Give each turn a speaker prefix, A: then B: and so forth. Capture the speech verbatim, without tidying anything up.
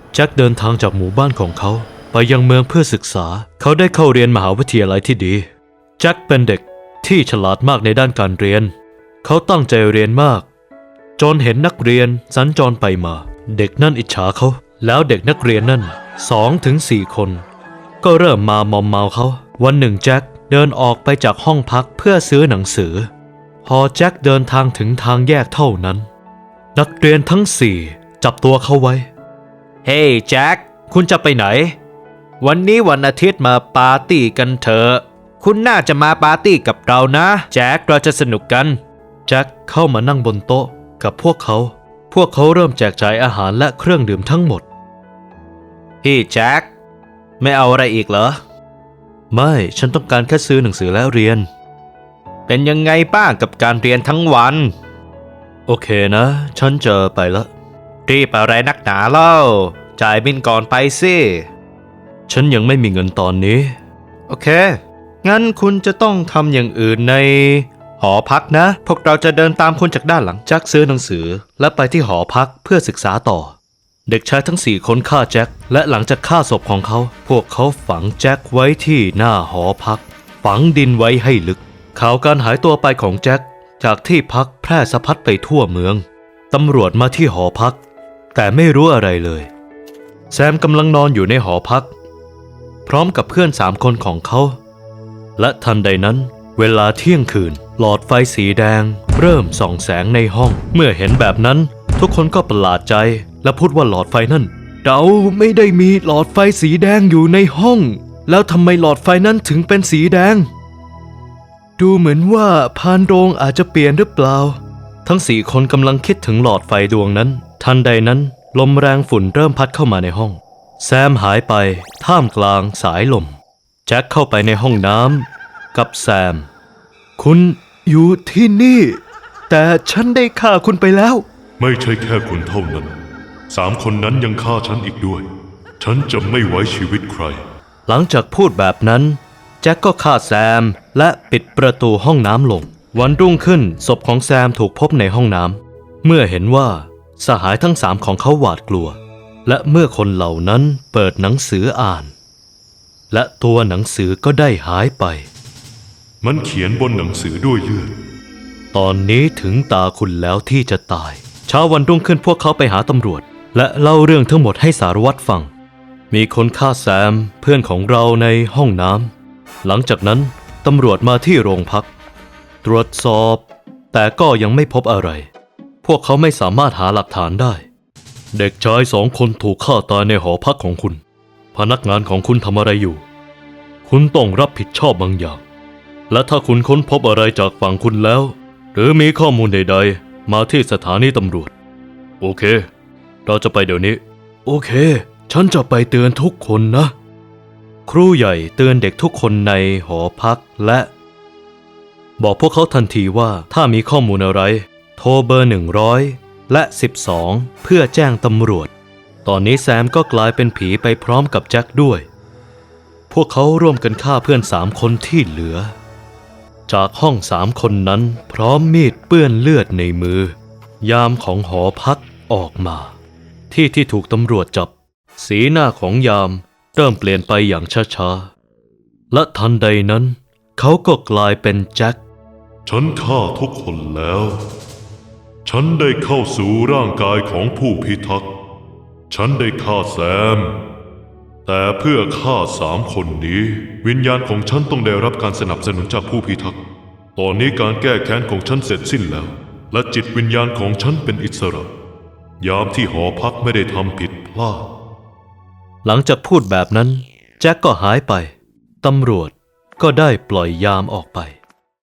A: แจ็คเดินทางจากหมู่บ้านของเขาไปยังเมืองเพื่อศึกษาเขาได้เข้าเรียนมหาวิทยาลัยที่ดีแจ็คเป็นเด็กที่ฉลาดมากในด้านการเรียนเขาตั้งใจเรียนมากจนเห็นนักเรียนสัญจรไปมาเด็กนั่นอิจฉาเขาแล้วเด็กนักเรียนนั่นสองถึงสี่คนก็เริ่มมามอมเมาเขาวันหนึ่งแจ็คเดินออกไปจากห้องพักเพื่อซื้อหนังสือพอแจ็คเดินทางถึงทางแยกเท่านั้นนักเรียนทั้งสี่จับตัวเขาไว้เฮ้ hey, แจ็คคุณจะไปไหนวันนี้วันอาทิตย์มาปาร์ตี้กันเถอะคุณน่าจะมาปาร์ตี้กับเรานะแจ็คเราจะสนุกกันแจ็คเข้ามานั่งบนโต๊ะกับพวกเขาพวกเขาเริ่มแจกจ่ายอาหารและเครื่องดื่มทั้งหมดพี่แจ็คไม่เอาอะไรอีกเหรอไม่ฉันต้องการแค่ซื้อหนังสือและเรียนเป็นยังไงบ้างกับการเรียนทั้งวันโอเคนะฉันจะไปละรีบอะไรนักหนาเล่าจ่ายบินก่อนไปสิฉันยังไม่มีเงินตอนนี้โอเคงั้นคุณจะต้องทำอย่างอื่นในหอพักนะพวกเราจะเดินตามคุณจากด้านหลังแจ็คซื้อหนังสือและไปที่หอพักเพื่อศึกษาต่อเด็กชายทั้งสี่คนฆ่าแจ็คและหลังจากฆ่าศพของเขาพวกเขาฝังแจ็คไว้ที่หน้าหอพักฝังดินไว้ให้ลึกข่าวการหายตัวไปของแจ็คจากที่พักแพร่สะพัดไปทั่วเมืองตำรวจมาที่หอพักแต่ไม่รู้อะไรเลยแซมกำลังนอนอยู่ในหอพักพร้อมกับเพื่อนสามคนของเขาและทันใดนั้นเวลาเที่ยงคืนหลอดไฟสีแดงเริ่มส่องแสงในห้องเมื่อเห็นแบบนั้นทุกคนก็ประหลาดใจและพูดว่าหลอดไฟนั่นเราไม่ได้มีหลอดไฟสีแดงอยู่ในห้องแล้วทำไมหลอดไฟนั้นถึงเป็นสีแดงดูเหมือนว่าพานโรงอาจจะเปลี่ยนหรือเปล่าทั้งสี่คนกำลังคิดถึงหลอดไฟดวงนั้นทันใดนั้นลมแรงฝุ่นเริ่มพัดเข้ามาในห้องแซมหายไปท่ามกลางสายลมแจ็คเข้าไปในห้องน้ำกับแซมคุณอยู่ที่นี่แต่ฉันได้ฆ่าคุณไปแล้ว
B: ไม่ใช่แค่คุณเท่านั้นสามคนนั้นยังฆ่าฉันอีกด้วยฉันจะไม่ไว้ชีวิตใคร
A: หลังจากพูดแบบนั้นแจ็คก็ฆ่าแซมและปิดประตูห้องน้ำลงวันรุ่งขึ้นศพของแซมถูกพบในห้องน้ำเมื่อเห็นว่าสหายทั้งสามของเขาหวาดกลัวและเมื่อคนเหล่านั้นเปิดหนังสืออ่านและตัวหนังสือก็ได้หายไป
B: มันเขียนบนหนังสือด้วยเลือด
A: ตอนนี้ถึงตาคุณแล้วที่จะตายเช้าวันรุ่งขึ้นพวกเขาไปหาตำรวจและเล่าเรื่องทั้งหมดให้สารวัตรฟังมีคนฆ่าแซมเพื่อนของเราในห้องน้ำหลังจากนั้นตำรวจมาที่โรงพักตรวจสอบแต่ก็ยังไม่พบอะไรพวกเขาไม่สามารถหาหลักฐานได้เด็กชายสองคนถูกฆ่าตายในหอพักของคุณพนักงานของคุณทำอะไรอยู่คุณต้องรับผิดชอบบางอย่างและถ้าคุณค้นพบอะไรจากฝั่งคุณแล้วหรือมีข้อมูลใดๆมาที่สถานีตำรวจโอเคเราจะไปเดี๋ยวนี้โอเคฉันจะไปเตือนทุกคนนะครูใหญ่เตือนเด็กทุกคนในหอพักและบอกพวกเขาทันทีว่าถ้ามีข้อมูลอะไรโทรเบอร์หนึ่งร้อยและสิบสองเพื่อแจ้งตำรวจตอนนี้แซมก็กลายเป็นผีไปพร้อมกับแจ็คด้วยพวกเขาร่วมกันฆ่าเพื่อนสามคนที่เหลือจากห้องสามคนนั้นพร้อมมีดเปื้อนเลือดในมือยามของหอพักออกมาที่ที่ถูกตำรวจจับสีหน้าของยามเริ่มเปลี่ยนไปอย่างช้าๆและทันใดนั้นเขาก็กลายเป็นแจ็ค
B: ฉันฆ่าทุกคนแล้วฉันได้เข้าสู่ร่างกายของผู้พิทักษ์ฉันได้ฆ่าแซมแต่เพื่อฆ่าสามคนนี้วิญญาณของฉันต้องได้รับการสนับสนุนจากผู้พิทักษ์ตอนนี้การแก้แค้นของฉันเสร็จสิ้นแล้วและจิตวิญญาณของฉันเป็นอิสระยามที่หอพักไม่ได้ทำผิดพลาด
A: หลังจากพูดแบบนั้นแจ็คก็หายไปตำรวจก็ได้ปล่อยยามออกไป